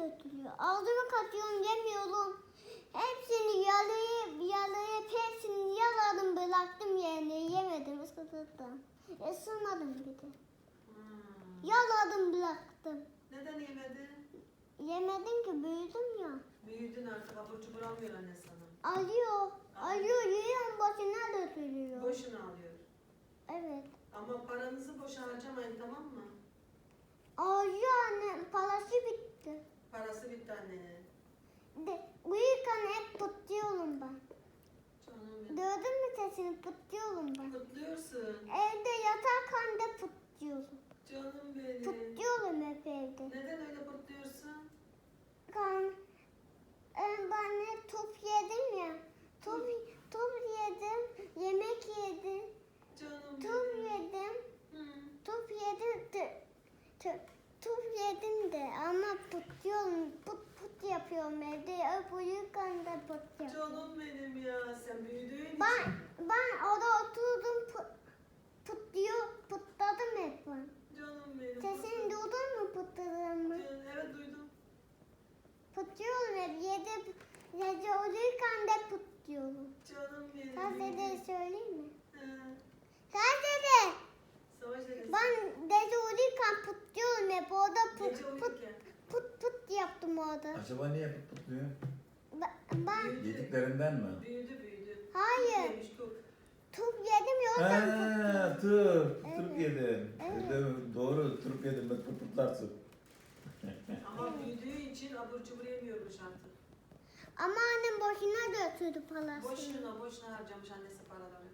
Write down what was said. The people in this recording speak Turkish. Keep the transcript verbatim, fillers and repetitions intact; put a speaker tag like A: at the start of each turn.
A: götürüyor. Ağzıma katıyorum yemiyorum. Hepsini yalayıp yalayıp hepsini yaladım bıraktım yerine yemedim ısıtırdım. Isırmadım bir de.
B: Hmm.
A: Yaladım bıraktım.
B: Neden yemedin?
A: Yemedim ki büyüdüm ya.
B: Büyüdün artık abur cubur almıyor anne sana.
A: Alıyor. Alıyor yiyorum boşuna götürüyor.
B: Boşuna alıyor.
A: Evet.
B: Ama paranızı boşa harcamayın, tamam mı?
A: Alıyor anne parası bitti.
B: Parası bitti annenin.
A: De, uyurken hep pıtlıyorum ben.
B: Canım benim.
A: Gördün mü sesini pıtlıyorum ben.
B: Kutluyorsun.
A: Evde yatarken de pıtlıyorum.
B: Canım benim.
A: Pıtlıyorum hep evde.
B: Neden öyle kutluyorsun?
A: Kan, e, ben de top yedim ya. Top, top yedim, yemek yedim,
B: Canım
A: top
B: benim.
A: yedim,
B: Hı.
A: top yedim de, de- top yedim de ama pıtlıyorum, pıt pıt yapıyorum evde. Hep uyurken de pıt yapıyorum.
B: Canım benim ya, sen büyüdüğün için.
A: Ben, ben orada oturdum pıt, pıtlıyor, pıtladım hep ben.
B: Canım benim.
A: Sesini
B: kutlu-
A: duydun mu pıtladığımı?
B: Can- Evet duydum.
A: Pıtlıyorum hep, yedi, gece uyurken de pıtlıyorum.
B: Canım benim.
A: Sen dede söyleyeyim mi?
B: He.
A: Sen dede,
B: Savaş dedesi.
A: ben gece uyurken pıtlıyorum hep, orada pıt
B: Gece
A: pıt
B: uyurken.
A: pıt pıt yaptım orada.
C: Acaba niye pıt pıtlıyor?
A: Ben, ben
B: Büyüdü.
C: Yediklerinden mi?
B: Büyüdü büyüdü.
A: hayır,
B: Yemiş, kuk.
A: top yedim ya oradan
C: Haa,
A: pıtlıyorum.
C: turp.
A: Evet.
C: Turp yedin.
A: Evet.
C: Değil mi? Doğru, turp yedim. Bak pıt pıtlarsın.
B: Ama büyüdüğü için abur cubur yemiyormuş artık.
A: Ama annem boşuna götürdü parasını.
B: Boşuna boşuna harcamış annesi paraları.